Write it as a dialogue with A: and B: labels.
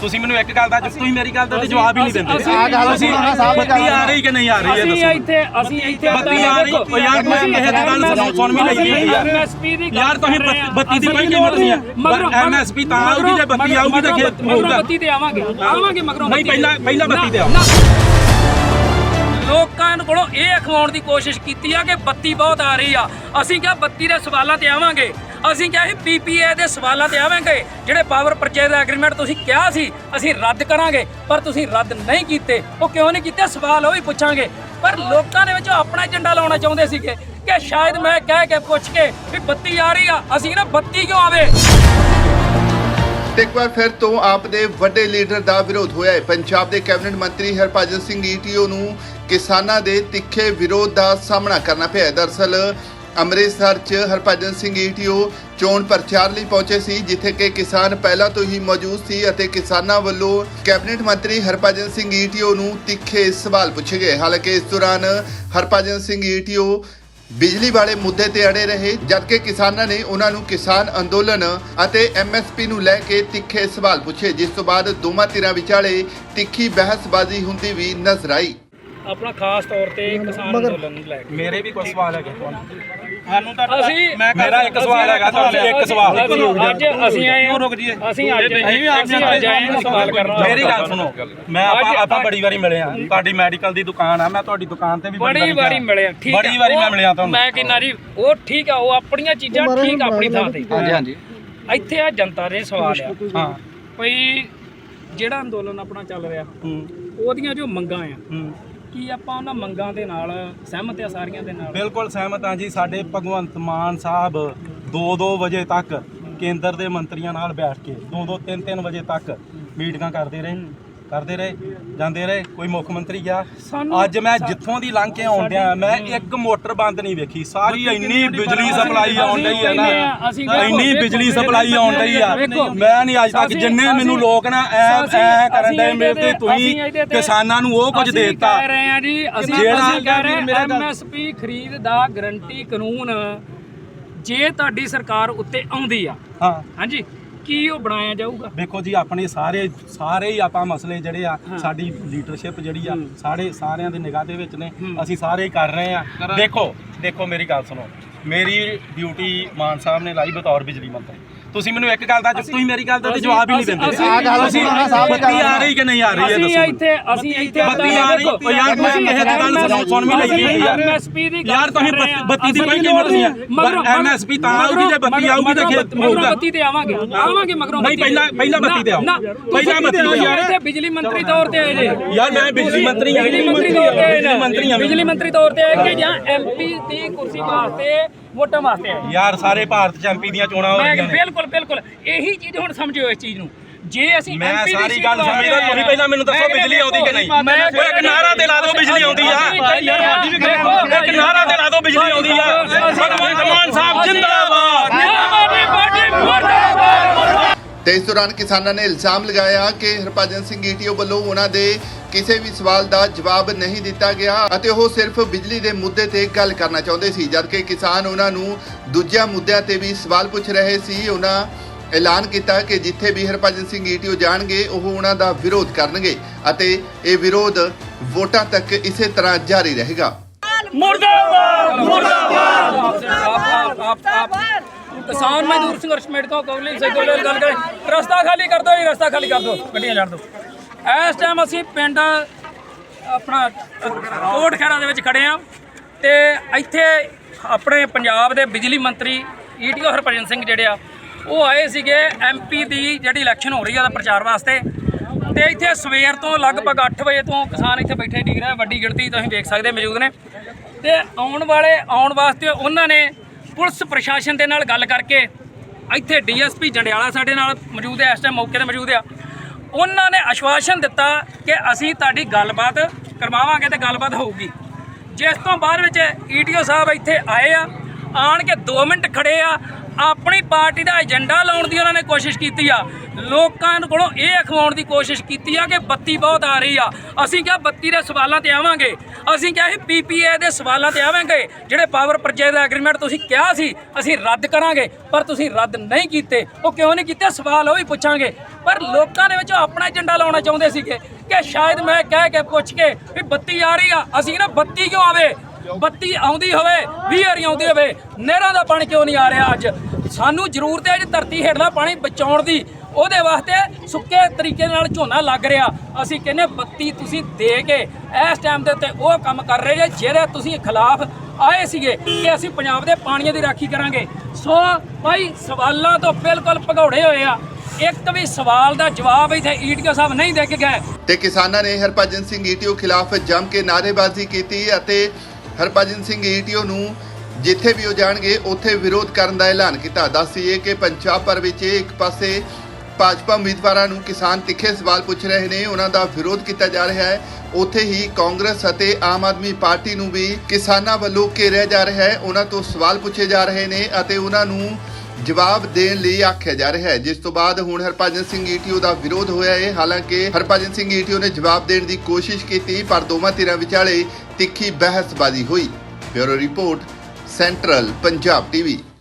A: ਤੁਸੀਂ ਮੈਨੂੰ ਇੱਕ ਗੱਲ ਦਾ ਤੁਸੀਂ ਮੇਰੀ ਗੱਲ ਦਾ ਜਵਾਬ ਹੀ ਨਹੀਂ ਦਿੰਦੇ। ਬੱਤੀ ਆ ਰਹੀ ਕਿ ਨਹੀਂ ਆ ਰਹੀ ਹੈ ਦੱਸੋ।
B: ਅਸੀਂ ਇੱਥੇ
A: ਬੱਤੀ ਆ ਰਹੀ ਓ ਯਾਰ ਮੈਂ ਕਿਸੇ ਦੀ ਗੱਲ ਸੁਣ ਵੀ ਲਈ ਯਾਰ ਤੁਸੀਂ ਬੱਤੀ ਦੀ ਕੋਈ ਕੀਮਤ ਨਹੀਂ ਹੈ। ਐਮਐਸਪੀ ਤਾਂ ਆਊਗੀ ਜੇ ਬੱਤੀ ਆਊਗੀ ਤਾਂ ਖੇਤ ਹੋਊਗਾ।
B: ਬੱਤੀ ਤੇ ਆਵਾਂਗੇ ਮਗਰੋਂ
A: ਨਹੀਂ ਪਹਿਲਾਂ ਬੱਤੀ ਤੇ ਆਓ।
B: ਲੋਕਾਂ ਕੋਲੋਂ ਇਹ ਅਖਵਾਉਣ ਦੀ ਕੋਸ਼ਿਸ਼ ਕੀਤੀ ਆ ਕਿ ਬੱਤੀ ਬਹੁਤ ਆ ਰਹੀ ਆ। ਅਸੀਂ ਕਿਹਾ ਬੱਤੀ ਦੇ ਸਵਾਲਾਂ ਤੇ ਆਵਾਂਗੇ। ਅਸੀਂ ਕਿਹਾ ਸੀ ਪੀਪੀਏ ਦੇ ਸਵਾਲਾਂ ਤੇ ਆਵਾਂਗੇ। ਜਿਹੜੇ ਪਾਵਰ ਪਰਚੇਜ਼ ਐਗਰੀਮੈਂਟ ਤੁਸੀਂ ਕਿਹਾ ਸੀ ਅਸੀਂ ਰੱਦ ਕਰਾਂਗੇ, ਪਰ ਤੁਸੀਂ ਰੱਦ ਨਹੀਂ ਕੀਤੇ। ਉਹ ਕਿਉਂ ਨਹੀਂ ਕੀਤੇ ਸਵਾਲ ਉਹ ਵੀ ਪੁੱਛਾਂਗੇ। ਪਰ ਲੋਕਾਂ ਦੇ ਵਿੱਚ ਆਪਣਾ ਏਜੰਡਾ ਲਾਉਣਾ ਚਾਹੁੰਦੇ ਸੀਗੇ ਕਿ ਸ਼ਾਇਦ ਮੈਂ ਕਹਿ ਕੇ ਪੁੱਛ ਕੇ ਵੀ ਬੱਤੀ ਆ ਰਹੀ ਆ, ਅਸੀਂ ਨਾ ਬੱਤੀ ਕਿਉਂ ਆਵੇ।
C: ਤੇ ਇੱਕ ਵਾਰ ਫਿਰ ਤੋਂ ਆਪ ਦੇ ਵੱਡੇ ਲੀਡਰ ਦਾ ਵਿਰੋਧ ਹੋਇਆ ਹੈ। ਪੰਜਾਬ ਦੇ ਕੈਬਨਿਟ ਮੰਤਰੀ ਹਰਭਜਨ ਸਿੰਘ ਈਟੀਓ ਨੂੰ ਕਿਸਾਨਾਂ ਦੇ ਤਿੱਖੇ ਵਿਰੋਧ ਦਾ ਸਾਹਮਣਾ ਕਰਨਾ ਪਿਆ। ਦਰਅਸਲ ਅੰਮ੍ਰਿਤਸਰ 'ਚ ਹਰਭਜਨ ਸਿੰਘ ਈਟੀਓ ਚੋਣ ਪ੍ਰਚਾਰ ਲਈ ਪਹੁੰਚੇ ਸੀ, ਜਿੱਥੇ ਕਿ ਕਿਸਾਨ ਪਹਿਲਾਂ ਤੋਂ ਹੀ ਮੌਜੂਦ ਸੀ ਅਤੇ ਕਿਸਾਨਾਂ ਵੱਲੋਂ ਕੈਬਨਿਟ ਮੰਤਰੀ ਹਰਭਜਨ ਸਿੰਘ ਈਟੀਓ ਨੂੰ ਤਿੱਖੇ ਸਵਾਲ ਪੁੱਛੇ ਗਏ। ਹਾਲਾਂਕਿ ਇਸ ਦੌਰਾਨ ਹਰਭਜਨ ਸਿੰਘ ਈਟੀਓ ਬਿਜਲੀ ਵਾਲੇ ਮੁੱਦੇ ਤੇ ਅੜੇ ਰਹੇ, ਜਦਕਿ ਕਿਸਾਨਾਂ ਨੇ ਉਹਨਾਂ ਨੂੰ ਕਿਸਾਨ ਅੰਦੋਲਨ ਅਤੇ ਐਮਐਸਪੀ ਨੂੰ ਲੈ ਕੇ ਤਿੱਖੇ ਸਵਾਲ ਪੁੱਛੇ, ਜਿਸ ਤੋਂ ਬਾਅਦ ਦੋਵਾਂ ਧਿਰਾਂ ਵਿਚਾਲੇ ਤਿੱਖੀ ਬਹਿਸਬਾਜ਼ੀ ਹੁੰਦੀ ਵੀ ਨਜ਼ਰ ਆਈ।
B: ਆਪਣਾ ਖਾਸ ਤੌਰ ਤੇ ਕਿਸਾਨ ਅੰਦੋਲਨ ਨੂੰ ਲੈ ਕੇ
A: ਮੇਰੇ ਵੀ ਕੋਈ ਸਵਾਲ ਹੈਗੇ ਤੁਹਾਨੂੰ ਤਾਂ
B: ਅਸੀਂ
A: ਮੇਰਾ ਇੱਕ ਸਵਾਲ ਹੈਗਾ ਤੁਹਾਨੂੰ ਇੱਕ ਸਵਾਲ
B: ਅੱਜ ਅਸੀਂ ਆਏ ਹਾਂ
A: ਰੁਕ ਜੀ
B: ਅਸੀਂ ਅੱਜ ਆਏ ਹਾਂ ਸਵਾਲ ਕਰਨ।
A: ਮੇਰੀ ਗੱਲ ਸੁਣੋ, ਮੈਂ ਆਪਾਂ ਬੜੀ ਵਾਰੀ ਮਿਲੇ ਆ। ਤੁਹਾਡੀ ਮੈਡੀਕਲ ਦੀ ਦੁਕਾਨ ਆ, ਮੈਂ ਤੁਹਾਡੀ ਦੁਕਾਨ ਤੇ ਵੀ
B: ਬੜੀ ਵਾਰੀ ਮਿਲੇ ਆ। ਠੀਕ
A: ਬੜੀ ਵਾਰੀ ਮੈਂ ਮਿਲਿਆ ਤੁਹਾਨੂੰ।
B: ਮੈਂ ਕਹਿੰਦਾ ਜੀ ਉਹ ਠੀਕ ਆ, ਉਹ ਆਪਣੀਆਂ ਚੀਜ਼ਾਂ ਠੀਕ ਆਪਣੀ ਥਾਂ ਤੇ।
A: ਹਾਂਜੀ
B: ਇੱਥੇ ਆ ਜਨਤਾ ਦੇ ਸਵਾਲ ਆ
A: ਹਾਂ
B: ਭਈ ਜਿਹੜਾ ਅੰਦੋਲਨ ਆਪਣਾ ਚੱਲ ਰਿਹਾ ਉਹਦੀਆਂ ਜੋ ਮੰਗਾਂ ਆ ਕੀ ਆਪਾਂ ਉਹਨਾਂ ਮੰਗਾਂ ਦੇ ਨਾਲ ਸਹਿਮਤ ਆ ਸਾਰੀਆਂ ਦੇ ਨਾਲ?
A: ਬਿਲਕੁਲ ਸਹਿਮਤ ਹਾਂ ਜੀ। ਸਾਡੇ ਭਗਵੰਤ ਮਾਨ ਸਾਹਿਬ 2-2 ਵਜੇ ਤੱਕ ਕੇਂਦਰ ਦੇ ਮੰਤਰੀਆਂ ਨਾਲ ਬੈਠ ਕੇ 2-2 3-3 ਵਜੇ ਤੱਕ ਮੀਟਿੰਗਾਂ ਕਰਦੇ ਰਹੇ ਜਾਂਦੇ ਰਹੇ। ਕੋਈ ਮੁੱਖ ਮੰਤਰੀ ਗਿਆ? ਅੱਜ ਮੈਂ ਜਿੱਥੋਂ ਦੀ ਲੰਘ ਕੇ ਆਉਣ ਡਿਆ ਮੈਂ ਇੱਕ ਮੋਟਰ ਬੰਦ ਨਹੀਂ ਵੇਖੀ। ਸਾਰੀ ਇੰਨੀ ਬਿਜਲੀ ਸਪਲਾਈ ਆਉਣ ਡਈ ਹੈ ਨਾ, ਇੰਨੀ ਬਿਜਲੀ ਸਪਲਾਈ ਆਉਣ ਡਈ ਆ। ਮੈਂ ਨਹੀਂ ਅੱਜ ਤੱਕ ਜਿੰਨੇ ਮੈਨੂੰ ਲੋਕ ਨਾ ਐ ਕਰਨ ਡਏ ਮੇਰੇ ਤੇ ਤੁਸੀਂ ਕਿਸਾਨਾਂ ਨੂੰ ਉਹ ਕੁਝ ਦੇ ਦਿੱਤਾ।
B: ਕਹਿ ਰਹੇ ਆ ਜੀ ਅਸੀਂ ਕਹਿ ਰਹੇ ਐਮਐਸਪੀ ਖਰੀਦ ਦਾ ਗਰੰਟੀ ਕਾਨੂੰਨ ਜੇ ਤੁਹਾਡੀ ਸਰਕਾਰ ਉੱਤੇ ਆਉਂਦੀ ਆ ਹਾਂਜੀ ਕੀ ਉਹ ਬਣਾਇਆ ਜਾਊਗਾ?
A: ਦੇਖੋ ਜੀ ਆਪਣੇ ਸਾਰੇ ਹੀ ਆਪਾਂ ਮਸਲੇ ਜਿਹੜੇ ਆ ਸਾਡੀ ਲੀਡਰਸ਼ਿਪ ਜਿਹੜੀ ਆ ਸਾਰਿਆਂ ਦੇ ਨਿਗਾਹ ਦੇ ਵਿੱਚ ਨੇ। ਅਸੀਂ ਸਾਰੇ ਹੀ ਕਰ ਰਹੇ ਆ। ਦੇਖੋ ਮੇਰੀ ਗੱਲ ਸੁਣੋ। ਮੇਰੀ ਡਿਊਟੀ ਮਾਨ ਸਾਹਿਬ ਨੇ ਲਾਈ ਬਤੌਰ ਬਿਜਲੀ ਮੰਤਰੀ। ਤੁਸੀਂ ਮੈਨੂੰ ਇੱਕ ਗੱਲ ਦਾ ਤੁਸੀਂ ਮੇਰੀ ਗੱਲ ਦਾ ਜਵਾਬ ਹੀ ਨਹੀਂ ਦਿੰਦੇ। ਤੁਸੀਂ ਬੱਤੀ ਆ ਰਹੀ ਕਿ ਨਹੀਂ ਆ ਰਹੀ ਹੈ ਦੱਸੋ।
B: ਅਸੀਂ ਇੱਥੇ
A: ਬੱਤੀ ਆ ਰਹੀ ਓ ਯਾਰ ਮੈਂ ਕਿਸੇ ਦੀ ਗੱਲ ਸੁਣ ਵੀ ਲਈ ਯਾਰ ਤੁਸੀਂ ਬੱਤੀ ਦੀ ਕੋਈ ਕੀਮਤ ਨਹੀਂ ਹੈ। ਐਮਐਸਪੀ ਤਾਂ ਆਊਗੀ ਜੇ ਬੱਤੀ ਆਊਗੀ ਤਾਂ ਖੇਤ ਹੋਊਗਾ।
B: ਬੱਤੀ ਤੇ ਆਵਾਂਗੇ ਮਗਰੋਂ
A: ਨਹੀਂ ਪਹਿਲਾਂ ਬੱਤੀ ਤੇ ਆਓ। ਪਹਿਲਾਂ ਬੱਤੀ ਤੇ
B: ਯਾਰ ਇੱਥੇ ਬਿਜਲੀ ਮੰਤਰੀ ਤੌਰ ਤੇ ਆਏ ਜੇ।
A: ਯਾਰ ਮੈਂ ਬਿਜਲੀ ਮੰਤਰੀ ਹਾਂ।
B: ਬਿਜਲੀ ਮੰਤਰੀ ਤੌਰ ਤੇ ਆਏ ਕਿ ਜਾਂ ਐਮਪੀ ਦੀ ਕੁਰਸੀ ਵਾਸਤੇ ਵੋਟਾਂ ਵਾਸਤੇ ਆਏ?
A: ਯਾਰ ਸਾਰੇ ਭਾਰਤ ਚ ਐਮਪੀ ਦੀਆਂ ਚੋਣਾਂ ਹੋ ਰਹੀਆਂ ਨੇ।
B: ਬਿਲਕੁਲ ਇਹੀ ਚੀਜ਼ ਹੁਣ ਸਮਝਿਓ ਇਸ ਚੀਜ਼ ਨੂੰ। ਜੇ ਅਸੀਂ
A: ਮੈਂ ਸਾਰੀ ਗੱਲ ਸਮਝਦਾ, ਤੁਸੀਂ ਪਹਿਲਾਂ ਮੈਨੂੰ ਦੱਸੋ ਬਿਜਲੀ ਆਉਂਦੀ ਕਿ ਨਹੀਂ? ਇੱਕ ਨਾਰਾ ਤੇ ਲਾ ਦਿਓ ਬਿਜਲੀ ਆਉਂਦੀ ਆ। ਇੱਕ ਨਾਰਾ ਤੇ ਲਾ ਦਿਓ ਬਿਜਲੀ ਆਉਂਦੀ ਆ। ਭਗਵੰਤ ਮਾਨ ਸਾਹਿਬ ਜਿੰਦਾਬਾਦ।
C: ਤੇ ਇਸ ਦੌਰਾਨ ਕਿਸਾਨਾਂ ਨੇ ਇਲਜ਼ਾਮ ਲਗਾਇਆ ਕਿ ਹਰਭਜਨ ਸਿੰਘ ਈਟੀਓ ਵੱਲੋਂ ਉਹਨਾਂ ਦੇ ਕਿਸੇ ਵੀ ਸਵਾਲ ਦਾ ਜਵਾਬ ਨਹੀਂ ਦਿੱਤਾ ਗਿਆ ਅਤੇ ਉਹ ਸਿਰਫ ਬਿਜਲੀ ਦੇ ਮੁੱਦੇ ਤੇ ਗੱਲ ਕਰਨਾ ਚਾਹੁੰਦੇ ਸੀ, ਜਦਕਿ ਕਿਸਾਨ ਉਹਨਾਂ ਨੂੰ ਦੂਜਿਆਂ ਮੁੱਦਿਆਂ ਤੇ ਵੀ ਸਵਾਲ ਪੁੱਛ ਰਹੇ ਸੀ। ਉਹਨਾਂ ਐਲਾਨ ਕੀਤਾ ਕਿ ਜਿੱਥੇ ਵੀ ਹਰਭਜਨ ਸਿੰਘ ਈਟੀਓ ਜਾਣਗੇ ਉਹ ਉਹਨਾਂ ਦਾ ਵਿਰੋਧ ਕਰਨਗੇ ਅਤੇ ਇਹ ਵਿਰੋਧ ਵੋਟਾਂ ਤੱਕ ਇਸੇ ਤਰ੍ਹਾਂ ਜਾਰੀ ਰਹੇਗਾ।
B: ਕਿਸਾਨ ਮਜ਼ਦੂਰ ਸੰਘਰਸ਼ ਕਮੇਟੀ ਤੋਂ ਕੌਲੀ ਸੈਕਟਰੀ ਗੱਲ ਕਰੇ ਰਸਤਾ ਖਾਲੀ ਕਰ ਦਿਓ ਜੀ, ਰਸਤਾ ਖਾਲੀ ਕਰ ਦਿਓ, ਗੱਡੀਆਂ ਛੱਡ ਦਿਓ। ਇਸ ਟਾਈਮ ਅਸੀਂ ਪਿੰਡ ਆਪਣਾ ਕੋਟ ਖੈਰਾ ਦੇ ਵਿੱਚ ਖੜੇ ਆ ਤੇ ਇੱਥੇ ਆਪਣੇ ਪੰਜਾਬ ਦੇ ਬਿਜਲੀ ਮੰਤਰੀ ਈਟੀਓ ਹਰਭਜਨ ਸਿੰਘ ਜਿਹੜੇ ਆ ਉਹ ਆਏ ਸੀਗੇ ਐਮਪੀ ਦੀ ਜਿਹੜੀ ਇਲੈਕਸ਼ਨ ਹੋ ਰਹੀ ਆ ਉਹਦਾ ਪ੍ਰਚਾਰ ਵਾਸਤੇ। ਤੇ ਇੱਥੇ ਸਵੇਰ ਤੋਂ ਲਗਭਗ 8 ਵਜੇ ਤੋਂ ਕਿਸਾਨ ਇੱਥੇ ਬੈਠੇ ਡਿੱਗ ਰਹੇ, ਵੱਡੀ ਗਿਣਤੀ ਤੁਸੀਂ ਵੇਖ ਸਕਦੇ ਮੌਜੂਦ ਨੇ। ਤੇ ਆਉਣ ਵਾਸਤੇ ਉਹਨਾਂ ਨੇ ਪੁਲਿਸ ਪ੍ਰਸ਼ਾਸਨ ਦੇ ਨਾਲ ਗੱਲ ਕਰਕੇ ਇੱਥੇ ਡੀਐਸਪੀ ਜੰਡਿਆਲਾ ਸਾਡੇ ਨਾਲ ਮੌਜੂਦ ਹੈ, ਇਸ ਟਾਈਮ ਮੌਕੇ ਤੇ ਮੌਜੂਦ ਆ। ਉਹਨਾਂ ਨੇ ਆਸ਼ਵਾਸਨ ਦਿੱਤਾ ਕਿ ਅਸੀਂ ਤੁਹਾਡੀ ਗੱਲਬਾਤ ਕਰਵਾਵਾਂਗੇ ਤੇ ਗੱਲਬਾਤ ਹੋਊਗੀ। ਜਿਸ ਤੋਂ ਬਾਅਦ ਵਿੱਚ ਈਟੀਓ ਸਾਹਿਬ ਇੱਥੇ ਆਏ ਆ, ਆਣ ਕੇ 2 ਮਿੰਟ ਖੜੇ ਆ, ਆਪਣੀ ਪਾਰਟੀ ਦਾ ਏਜੰਡਾ ਲਾਉਣ ਦੀ ਉਹਨਾਂ ਨੇ ਕੋਸ਼ਿਸ਼ ਕੀਤੀ ਆ ਲੋਕਾਂ ਕੋਲੋਂ ਇਹ ਅਖਵਾਉਣ ਦੀ ਕੋਸ਼ਿਸ਼ ਕੀਤੀ ਆ ਕਿ ਬੱਤੀ ਬਹੁਤ ਆ ਰਹੀ ਆ। ਅਸੀਂ ਕਿਹਾ ਬੱਤੀ ਦੇ ਸਵਾਲਾਂ ਤੇ ਆਵਾਂਗੇ, ਅਸੀਂ ਕਿਹਾ ਸੀ PPA ਦੇ ਸਵਾਲਾਂ ਤੇ ਆਵਾਂਗੇ, ਜਿਹੜੇ ਪਾਵਰ ਪਰਚੇਜ਼ ਦਾ ਐਗਰੀਮੈਂਟ ਤੁਸੀਂ ਕਿਹਾ ਸੀ ਅਸੀਂ ਰੱਦ ਕਰਾਂਗੇ, ਪਰ ਤੁਸੀਂ ਰੱਦ ਨਹੀਂ ਕੀਤੇ। ਉਹ ਕਿਉਂ ਨਹੀਂ ਕੀਤੇ ਸਵਾਲ ਉਹ ਵੀ ਪੁੱਛਾਂਗੇ। ਪਰ ਲੋਕਾਂ ਦੇ ਵਿੱਚ ਆਪਣਾ ਏਜੰਡਾ ਲਾਉਣਾ ਚਾਹੁੰਦੇ ਸੀਗੇ ਕਿ ਸ਼ਾਇਦ ਮੈਂ ਕਹਿ ਕੇ ਪੁੱਛ ਕੇ ਵੀ ਬੱਤੀ ਆ ਰਹੀ ਆ, ਅਸੀਂ ਨਾ ਬੱਤੀ ਕਿਉਂ ਆਵੇ, ਬੱਤੀ ਆਉਂਦੀ ਹੋਵੇ 20 ਵਾਰੀ ਆਉਂਦੀ ਹੋਵੇ, ਨਹਿਰਾਂ ਦਾ ਪਾਣੀ ਕਿਉਂ ਨਹੀਂ ਆ ਰਿਹਾ। ਅੱਜ ਸਾਨੂੰ ਜ਼ਰੂਰਤ ਹੈ ਜੀ ਧਰਤੀ ਹੇਠਲਾ ਪਾਣੀ ਬਚਾਉਣ ਦੀ, ਉਹਦੇ ਵਾਸਤੇ ਸੁੱਕੇ ਤਰੀਕੇ ਨਾਲ ਝੋਨਾ ਲੱਗ ਰਿਹਾ। ਅਸੀਂ ਕਹਿੰਦੇ ਬੱਤੀ ਤੁਸੀਂ ਦੇ ਕੇ ਇਸ ਟਾਈਮ ਦੇ ਉੱਤੇ ਉਹ ਕੰਮ ਕਰ ਰਹੇ ਜੇ ਜਿਹੜੇ ਤੁਸੀਂ ਖਿਲਾਫ ਆਏ ਸੀਗੇ ਕਿ ਅਸੀਂ ਪੰਜਾਬ ਦੇ ਪਾਣੀਆਂ ਦੀ ਰਾਖੀ ਕਰਾਂਗੇ। ਸੋ ਭਾਈ ਸਵਾਲਾਂ ਤੋਂ ਬਿਲਕੁਲ ਭਗੌੜੇ ਹੋਏ ਆ, ਇੱਕ ਵੀ ਸਵਾਲ ਦਾ ਜਵਾਬ ਇੱਥੇ ਈਟੀਓ ਸਾਹਿਬ ਨਹੀਂ ਦੇ ਕੇ ਗਏ।
C: ਤੇ ਕਿਸਾਨਾਂ ਨੇ ਹਰਭਜਨ ਸਿੰਘ ਈਟੀਓ ਖਿਲਾਫ ਜੰਮ ਕੇ ਨਾਅਰੇਬਾਜ਼ੀ ਕੀਤੀ ਅਤੇ ਹਰਭਜਨ ਸਿੰਘ ਈਟੀਓ ਨੂੰ ਜਿੱਥੇ ਵੀ ਉਹ ਜਾਣਗੇ ਉੱਥੇ ਵਿਰੋਧ ਕਰਨ ਦਾ ਐਲਾਨ ਕੀਤਾ। ਦੱਸੀਏ ਕਿ ਪੰਜਾਬ ਭਰ ਵਿੱਚ ਇੱਕ ਪਾਸੇ ਭਾਜਪਾ ਉਮੀਦਵਾਰਾਂ ਨੂੰ ਕਿਸਾਨ ਤਿੱਖੇ ਸਵਾਲ ਪੁੱਛ ਰਹੇ ਨੇ, ਉਹਨਾਂ ਦਾ ਵਿਰੋਧ ਕੀਤਾ ਜਾ ਰਿਹਾ ਹੈ, ਉੱਥੇ ਹੀ ਕਾਂਗਰਸ ਅਤੇ ਆਮ ਆਦਮੀ ਪਾਰਟੀ ਨੂੰ ਵੀ ਕਿਸਾਨਾਂ ਵੱਲੋਂ ਘੇਰਿਆ ਜਾ ਰਿਹਾ ਹੈ, ਉਹਨਾਂ ਤੋਂ ਸਵਾਲ ਪੁੱਛੇ ਜਾ ਰਹੇ ਨੇ ਅਤੇ ਉਹਨਾਂ ਨੂੰ ਜਵਾਬ ਦੇਣ ਲਈ ਆਖਿਆ ਜਾ ਰਿਹਾ ਹੈ। ਜਿਸ ਤੋਂ ਬਾਅਦ ਹੁਣ ਹਰਭਜਨ ਸਿੰਘ ਈਟੀਓ ਦਾ ਵਿਰੋਧ ਹੋਇਆ ਹੈ। ਹਾਲਾਂਕਿ ਹਰਭਜਨ ਸਿੰਘ ਈਟੀਓ ਨੇ ਜਵਾਬ ਦੇਣ ਦੀ ਕੋਸ਼ਿਸ਼ ਕੀਤੀ, ਪਰ ਦੋਵਾਂ ਧਿਰਾਂ ਵਿਚਾਲੇ ਤਿੱਖੀ ਬਹਿਸਬਾਜ਼ੀ ਹੋਈ। Bureau report, central Punjab TV.